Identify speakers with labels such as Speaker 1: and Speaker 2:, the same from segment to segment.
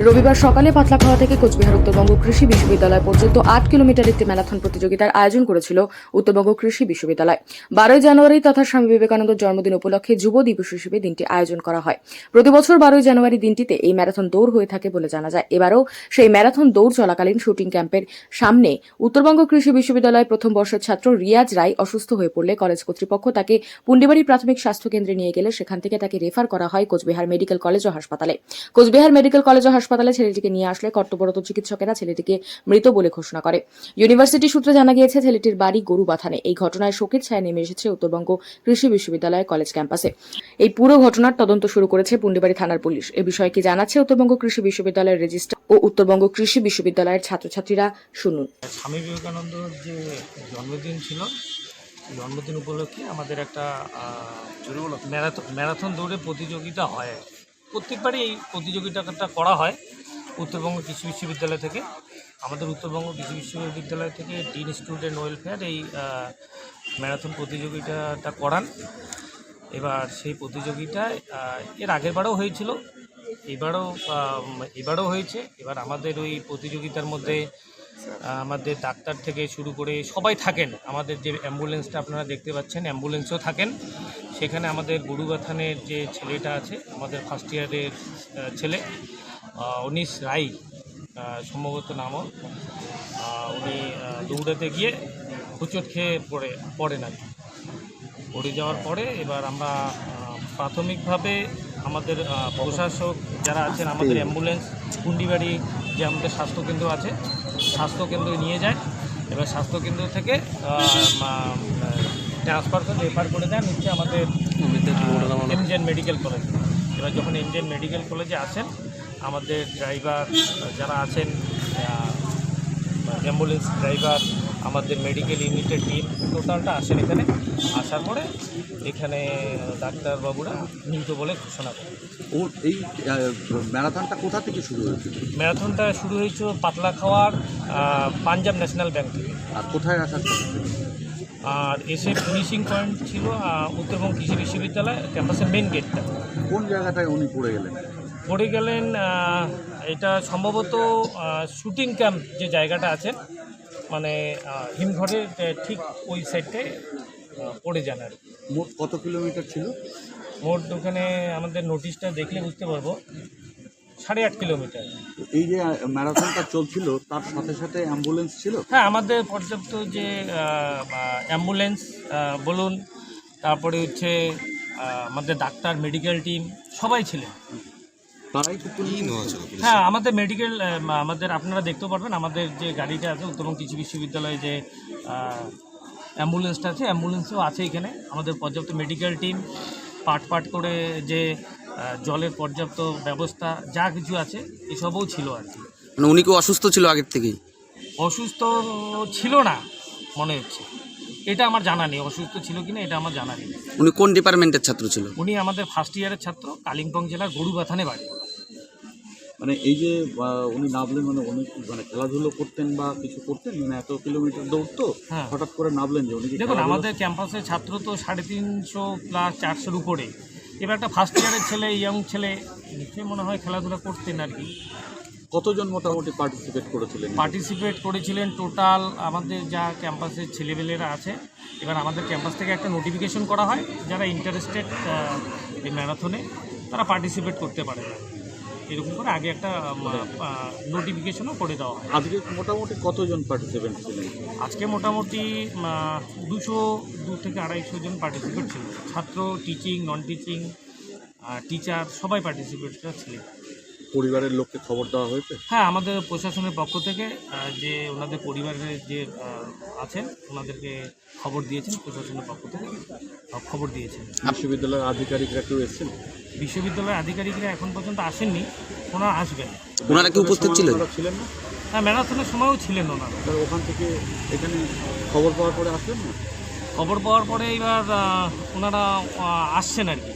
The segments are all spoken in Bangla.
Speaker 1: রবিবার সকালে পাতলাখাওয়া থেকে কোচবিহার উত্তরবঙ্গ কৃষি বিশ্ববিদ্যালয় পর্যন্ত 8 কিলোমিটার একটি ম্যারাথন প্রতিযোগিতার আয়োজন করেছিল উত্তরবঙ্গ কৃষি বিশ্ববিদ্যালয়। 12 জানুয়ারি তথা স্বামী বিবেকানন্দের জন্মদিন উপলক্ষে যুব দিবস হিসেবে দিনটি আয়োজন করা হয়। প্রতিবছর 12 জানুয়ারি দিনটিতে এই ম্যারাথন দৌড় হয়ে থাকে বলে জানা যায়। এবারও সেই ম্যারাথন দৌড় চলাকালীন শুটিং ক্যাম্পের সামনে উত্তরবঙ্গ কৃষি বিশ্ববিদ্যালয়ের প্রথম বর্ষের ছাত্র রিয়াজ রায় অসুস্থ হয়ে পড়লে কলেজ কর্তৃপক্ষ তাকে পুন্ডিবাড়ি প্রাথমিক স্বাস্থ্য কেন্দ্রে নিয়ে গেলে সেখান থেকে তাকে রেফার করা হয় কোচবিহার মেডিকেল কলেজ ও হাসপাতালে। কোচবিহার মেডিকেল কলেজ ও হাসপাতালে ছেলেটিকে নিয়ে আসলে কর্তব্যরত চিকিৎসকেরা ছেলেটিকে মৃত বলে ঘোষণা করে। ইউনিভার্সিটি সূত্রে জানা গিয়েছে ছেলেটির বাড়ি গরুবাথানে। এই ঘটনায় শোকের ছায়া নেমে এসেছে উত্তরবঙ্গ কৃষি বিশ্ববিদ্যালয় কলেজ ক্যাম্পাসে। এই পুরো ঘটনার তদন্ত শুরু করেছে পুন্ডিবাড়ি থানার পুলিশ। এ বিষয়ে কি জানাচ্ছে উত্তরবঙ্গ কৃষি বিশ্ববিদ্যালয়ের রেজিস্ট্রার ও উত্তরবঙ্গ কৃষি বিশ্ববিদ্যালয়ের ছাত্রছাত্রীরা, শুনুন।
Speaker 2: স্বামী বিবেকানন্দর যে জন্মদিন ছিল, জন্মদিন উপলক্ষে আমাদের একটা ম্যারাথন দৌড়ে প্রতিযোগিতা হয়। প্রত্যেকবারই এই প্রতিযোগিতাটা করা হয় উত্তরবঙ্গ কৃষি বিশ্ববিদ্যালয় থেকে। আমাদের উত্তরবঙ্গ কৃষি বিশ্ববিদ্যালয় থেকে ডিন স্টুডেন্ট ওয়েলফেয়ার এই ম্যারাথন প্রতিযোগিতাটা করান। এবার সেই প্রতিযোগিতায় এর আগেরবারও হয়েছিল, এবারও হয়েছে। এবার আমাদের ওই প্রতিযোগিতার মধ্যে আমাদের ডাক্তার থেকে শুরু করে সবাই থাকেন। আমাদের যে অ্যাম্বুলেন্সটা আপনারা দেখতে পাচ্ছেন, অ্যাম্বুলেন্সও থাকেন সেখানে। আমাদের গরুবাথানের যে ছেলেটা আছে, আমাদের ফার্স্ট ইয়ারের ছেলে অনিশ রায় সম্ভবত নামও, উনি দৌড়াতে গিয়ে হোঁচট খেয়ে পড়ে না। পড়ে যাওয়ার পরে এবার আমরা প্রাথমিকভাবে আমাদের প্রশাসক যারা আছেন, আমাদের অ্যাম্বুলেন্স পুন্ডিবাড়ি যে আমাদের স্বাস্থ্যকেন্দ্র আছে, স্বাস্থ্যকেন্দ্রে নিয়ে যায়। এবার স্বাস্থ্যকেন্দ্র থেকে ট্রান্সফার করে রেফার করে দেন হচ্ছে আমাদের এমজেএন মেডিকেল কলেজ। এবার যখন এমজেএন মেডিকেল কলেজে আসেন, আমাদের ড্রাইভার যারা আছেন, অ্যাম্বুলেন্স ড্রাইভার, আমাদের মেডিকেল ইউনিটের টিম টোটালটা আসেন এখানে। আসার পরে এখানে ডাক্তারবাবুরা মৃত বলে ঘোষণা করেন।
Speaker 3: এই ম্যারাথনটা কোথা থেকে শুরু হয়েছিল?
Speaker 2: ম্যারাথনটা শুরু হয়েছিল পাতলাখাওয়ার পাঞ্জাব ন্যাশনাল ব্যাংক থেকে।
Speaker 3: আর কোথায় আসার কথা ছিল?
Speaker 2: আর এসে ফিনিশিং পয়েন্ট ছিল উত্তরবঙ্গ কৃষি বিশ্ববিদ্যালয় ক্যাম্পাসের মেন গেটটা।
Speaker 3: কোন জায়গাটায় উনি পড়ে গেলেন?
Speaker 2: পড়ে গেলেন এটা সম্ভবত শুটিং ক্যাম্প যে জায়গাটা আছে, মানে হিমঘরের ঠিক ওই সাইডটায় পড়ে যান। আর
Speaker 3: মোট কত কিলোমিটার ছিল?
Speaker 2: মোট ওখানে আমাদের নোটিশটা দেখলে বুঝতে পারবো 8.5 কিলোমিটার।
Speaker 3: এই যে ম্যারাথনটা চলছিল তার সাথে সাথে অ্যাম্বুলেন্স ছিল?
Speaker 2: হ্যাঁ, আমাদের পর্যাপ্ত যে অ্যাম্বুলেন্স বলুন, তারপরে হচ্ছে আমাদের ডাক্তার, মেডিকেল টিম সবাই ছিলেন।
Speaker 3: তারাই তো
Speaker 2: হ্যাঁ, আমাদের মেডিকেল আমাদের আপনারা দেখতে পারবেন আমাদের যে গাড়িটা আছে উত্তরবঙ্গ কৃষি বিশ্ববিদ্যালয়ে যে অ্যাম্বুলেন্সটা আছে, অ্যাম্বুলেন্সও আছে এখানে। আমাদের পর্যাপ্ত মেডিকেল টিম পাট করে যে জলের পর্যাপ্ত ব্যবস্থা যা কিছু আছে এসবও ছিল আর কি।
Speaker 4: মানে উনি কি অসুস্থ ছিল আগের থেকেই?
Speaker 2: অসুস্থ ছিল না মনে হচ্ছে, এটা আমার জানা নেই। অসুস্থ ছিল কিনা এটা আমার জানা নেই।
Speaker 4: উনি কোন ডিপার্টমেন্টের ছাত্র ছিল?
Speaker 2: উনি আমাদের ফার্স্ট ইয়ারের ছাত্র, কালিম্পং জেলার গরুবাথানে বাড়ি।
Speaker 3: মানে এই যে উনি নামলেন, মানে অনেক মানে খেলাধুলো করতেন বা কিছু করতেন, মানে এত কিলোমিটার দৌড়তো,
Speaker 2: হ্যাঁ,
Speaker 3: হঠাৎ করে নামলেন যে উনি?
Speaker 2: দেখুন, আমাদের ক্যাম্পাসের ছাত্র তো 350 প্লাস 400-র উপরে। এবার একটা ফার্স্ট ইয়ারের ছেলে, ইয়ং ছেলে, নিশ্চয়ই মনে হয় খেলাধুলা করতেন আর কি।
Speaker 3: কতজন মোটামুটি পার্টিসিপেট করেছিলেন?
Speaker 2: টোটাল আমাদের যা ক্যাম্পাসের ছেলেমেলেরা আছে, এবার আমাদের ক্যাম্পাস থেকে একটা নোটিফিকেশন করা হয় যারা ইন্টারেস্টেড এই ম্যারাথনে তারা পার্টিসিপেট করতে পারে না, এরকম করে আগে একটা নোটিফিকেশনও করে দেওয়া হয়।
Speaker 3: আজকে মোটামুটি কতজন পার্টিসিপেন্ট ছিলেন?
Speaker 2: আজকে মোটামুটি 200 থেকে 250 জন পার্টিসিপেট ছিল। ছাত্র, টিচিং, নন টিচিং, টিচার সবাই পার্টিসিপেটরা ছিলেন।
Speaker 3: পরিবারের লোককে খবর দেওয়া হয়েছে?
Speaker 2: হ্যাঁ, আমাদের প্রশাসনের পক্ষ থেকে যে ওনাদের পরিবারের যে আছেন ওনাদেরকে খবর দিয়েছেন, প্রশাসনের পক্ষ থেকে খবর দিয়েছেন।
Speaker 3: বিশ্ববিদ্যালয়ের আধিকারিকরা কেউ এসেছেন?
Speaker 2: বিশ্ববিদ্যালয়ের আধিকারিকরা এখন পর্যন্ত আসেননি, ওনারা আসবেন।
Speaker 4: ওনারা কি উপস্থিত ছিলেন?
Speaker 3: না?
Speaker 2: হ্যাঁ, ম্যারাথনের সময়ও ছিলেন ওনারা।
Speaker 3: ওখান থেকে এখানে খবর পাওয়ার পরে আসলেন না?
Speaker 2: খবর পাওয়ার পরে এবার ওনারা আসছেন আর কি।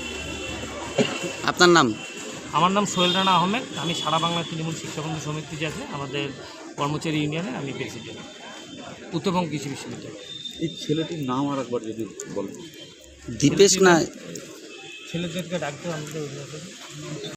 Speaker 4: আপনার নাম?
Speaker 2: আমার নাম সোহেল রানা আহমেদ। আমি সারা বাংলা তৃণমূল শিক্ষাবন্ধু সমিতি যে আছে আমাদের কর্মচারী ইউনিয়নে আমি প্রেসিডেন্ট, উত্তরবঙ্গ কৃষি বিশ্ববিদ্যালয়।
Speaker 3: এই ছেলেটির নাম আর একবার যদি বলেন।
Speaker 4: দীপেশ না?
Speaker 2: ছেলেদেরকে ডাকতে আমাদের